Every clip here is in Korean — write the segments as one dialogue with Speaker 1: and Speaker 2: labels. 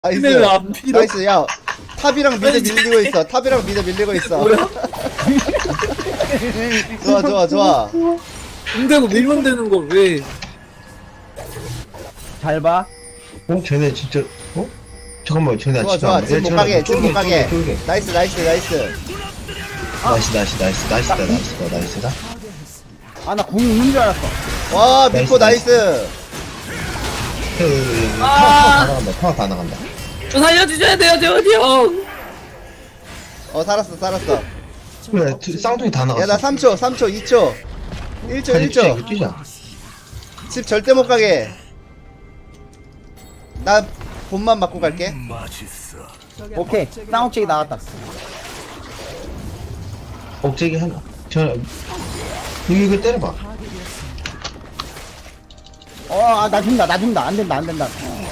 Speaker 1: 나이스.
Speaker 2: 근데 왜안 밀어?
Speaker 1: 나이스. 야, 탑이랑 미드 밀리고 있어. 탑이랑 미드 밀리고 있어.
Speaker 2: 뭐야?
Speaker 1: 좋아, 좋아, 좋아.
Speaker 2: 근데고 밀면 되는 걸 왜?
Speaker 3: 잘 봐.
Speaker 4: 쟤네 진짜 잠깐만 쟤네
Speaker 1: 좋아,
Speaker 4: 진짜
Speaker 1: 좋아.
Speaker 4: 안 돼.
Speaker 1: 지금 못
Speaker 4: 쟤네
Speaker 1: 가게, 지금 못 가게.
Speaker 4: 쫄게.
Speaker 1: 나이스, 나이스, 나이스.
Speaker 4: 나이스다.
Speaker 3: 아, 나 궁이 있는 줄 알았어.
Speaker 1: 와, 미포
Speaker 4: 나이스,
Speaker 1: 나이스.
Speaker 4: 타워 다 나간다.
Speaker 2: 저 살려주셔야 돼요, 재원이 형.
Speaker 1: 살았어, 살았어.
Speaker 4: 그래 쌍둥이 다 나갔어.
Speaker 1: 야, 나 3초, 3초, 2초. 1초, 1초.
Speaker 4: 뛰자.
Speaker 1: 집 절대 못 가게. 나 본만 맞고 갈게.
Speaker 3: 오케이. 쌍옥책이 나왔다.
Speaker 4: 억제기 하나. 이거 때려봐.
Speaker 3: 나 죽는다. 안 된다.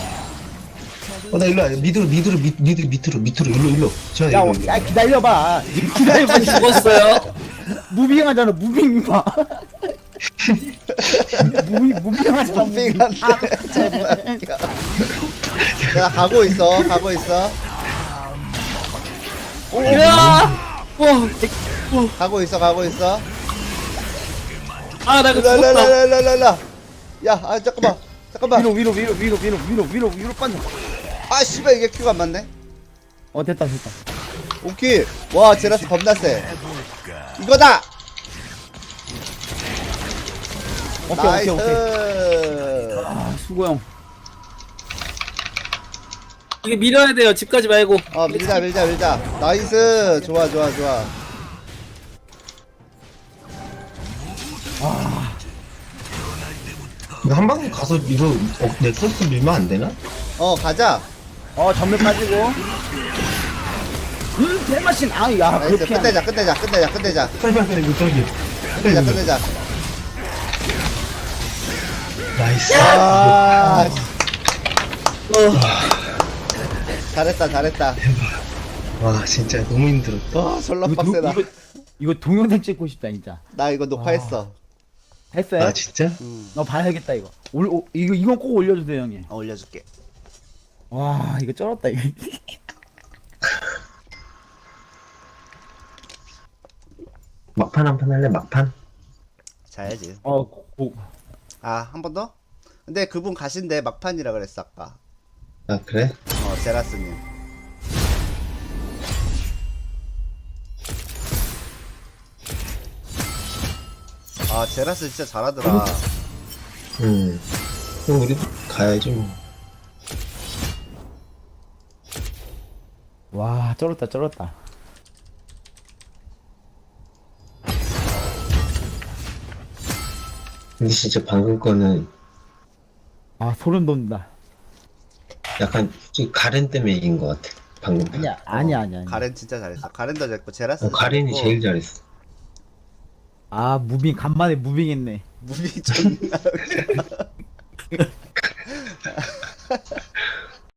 Speaker 4: 나 일로 와. 밑으로 일로. 쟤네
Speaker 3: 야,
Speaker 4: 일로.
Speaker 3: 야, 기다려봐. 기다려봐.
Speaker 2: 죽었어요.
Speaker 3: 무빙하잖아, 무빙 봐. 무빙하잖아, 무빙.
Speaker 1: 빙한데. 야, 가고 있어, 가고 있어.
Speaker 2: 야!
Speaker 1: 가고 있어, 가고 있어.
Speaker 2: 아, 나 이거 죽었다.
Speaker 1: 랄랄랄랄랄라. 야, 잠깐만.
Speaker 3: 위로 빠져.
Speaker 1: 아, 씨발, 이게 큐가 안 맞네.
Speaker 3: 됐다.
Speaker 1: 오케이. 와, 제라스 겁나 세. 이거다!
Speaker 3: 오케이.
Speaker 1: 나이스.
Speaker 3: 수고 형.
Speaker 2: 이게 밀어야 돼요. 집까지 말고.
Speaker 1: 밀자. 나이스. 좋아.
Speaker 4: 이거 한 방에 가서 이거 넥서스 밀면 안 되나?
Speaker 1: 가자.
Speaker 3: 전면 빠지고. 대마신. 야,
Speaker 1: 나이스.
Speaker 3: 그렇게.
Speaker 1: 끝내자.
Speaker 4: 빨리 이거 저기.
Speaker 1: 끝내자.
Speaker 4: 나이스.
Speaker 1: 아, 잘했다.
Speaker 4: 와 진짜 너무 힘들었다.
Speaker 1: 졸라 빡세다.
Speaker 3: 이거 동영상 찍고 싶다, 진짜.
Speaker 1: 나 이거 녹화했어.
Speaker 3: 했어요?
Speaker 4: 아 진짜?
Speaker 3: 너 봐야겠다, 이거. 이건 꼭 올려주세요, 형님.
Speaker 1: 올려줄게.
Speaker 3: 와, 이거 쩔었다, 이거.
Speaker 4: 막판 한 판 할래 막판?
Speaker 1: 자야지.
Speaker 3: 고.
Speaker 1: 한 번 더? 근데 그분 가신데 막판이라 그랬어 아까.
Speaker 4: 아 그래?
Speaker 1: 제라스님. 제라스 진짜 잘하더라.
Speaker 4: 그럼 우리도 가야지 뭐.
Speaker 3: 와, 쩔었다.
Speaker 4: 근데 진짜 방금 거는
Speaker 3: 소름 돋는다.
Speaker 4: 약간 솔직히 가렌 때문에 이긴 것 같아. 방금.
Speaker 3: 아니야.
Speaker 1: 가렌 진짜 잘했어. 가렌도 잘했고 제라스.
Speaker 4: 가렌이 제일 잘했어.
Speaker 3: 무빙, 간만에 무빙했네.
Speaker 1: 무빙 존나.